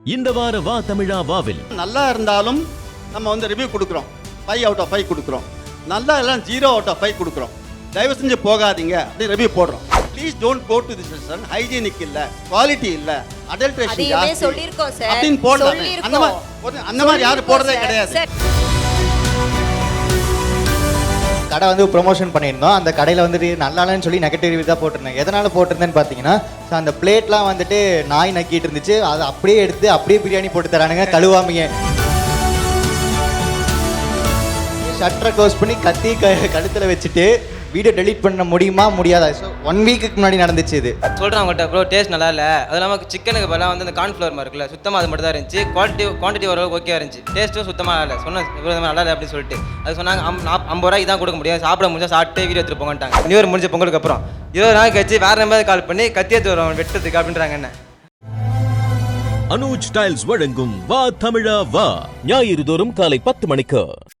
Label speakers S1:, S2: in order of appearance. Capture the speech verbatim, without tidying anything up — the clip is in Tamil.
S1: இந்த வார வா தமிழா வாவில்
S2: நல்லா இருந்தாலும் நம்ம வந்து ரிவ்யூ கொடுக்குறோம், ஃபைவ் அவுட் ஆஃப் ஃபைவ் கொடுக்குறோம். நல்லா எல்லாம் ஜீரோ அவுட் ஆஃப் ஃபைவ் கொடுக்குறோம். தயவு செஞ்சு போகாதீங்க அப்படி ரிவ்யூ போடுறோம். Please don't go to this restaurant. Hygienic இல்ல, குவாலிட்டி இல்ல, அடல்ட்ரேஷன் ஜாஸ்தி
S3: சொல்லிருக்கோம் சார்
S2: அப்படின்னு போடுறாங்க. அந்த மாதிரி அந்த மாதிரி யாரும் போடுறதே கிடையாது.
S4: கடை வந்து ப்ரொமோஷன் பண்ணியிருந்தோம். அந்த கடையில் வந்துட்டு நல்லாலன்னு சொல்லி நெகட்டிவ் ரிவ்யூ தான் போட்டிருந்தேன். எதனால் போட்டிருந்தேன்னு பார்த்தீங்கன்னா, ஸோ அந்த பிளேட்லாம் வந்துட்டு நாய் நக்கிட்டு இருந்துச்சு. அதை அப்படியே எடுத்து அப்படியே பிரியாணி போட்டு தரானுங்க கழுவாமையே. ஷட்டரை க்ளோஸ் பண்ணி கத்தி க கழுத்தில் வச்சுட்டு வீடியோ டெலீட் பண்ண முடியுமா முடியாதா? ஸோ ஒன் வீக்குக்கு முன்னாடி நடந்துச்சு இது.
S5: சொல்கிறேன் அவங்கள்ட்ட ப்ரோ டேஸ்ட் நல்லா இல்லை, அது இல்லாமல் சிக்கனுக்கு பதிலாக வந்து அந்த கார்ன்ஃப்ளவர் மாதிரி இருக்குல்ல, சுத்தமாக அது மட்டும் தான் இருந்துச்சு. குவாலிட்டி குவான்டிட்டி ஓரளவுக்கு ஓகே இருந்துச்சு, டேஸ்ட்டும் சுத்தமாக இல்லை. சொன்ன இவ்வளோ நல்லா இல்லை அப்படின்னு சொல்லிட்டு அது சொன்னாங்க. அம் ஐம்பது ரூபாய்க்கு தான் கொடுக்க முடியும், சாப்பிட முடிஞ்சா சாப்பிட்டு வீடியோ எடுத்துகிட்டு போங்கட்டாங்க. நியூ இயர் முடிஞ்ச பொங்கலுக்கு அப்புறம் இருபது நாள் கழிச்சு வேறு நம்பர் கால் பண்ணி கத்தி எடுத்து வரும் வெட்டுறதுக்கு அப்படின்றாங்க. என்ன
S1: அனுஜ் டைல்ஸ் வழங்கும் வா தமிழா வா ஞாயிறு தோறும் காலை பத்து மணிக்கு.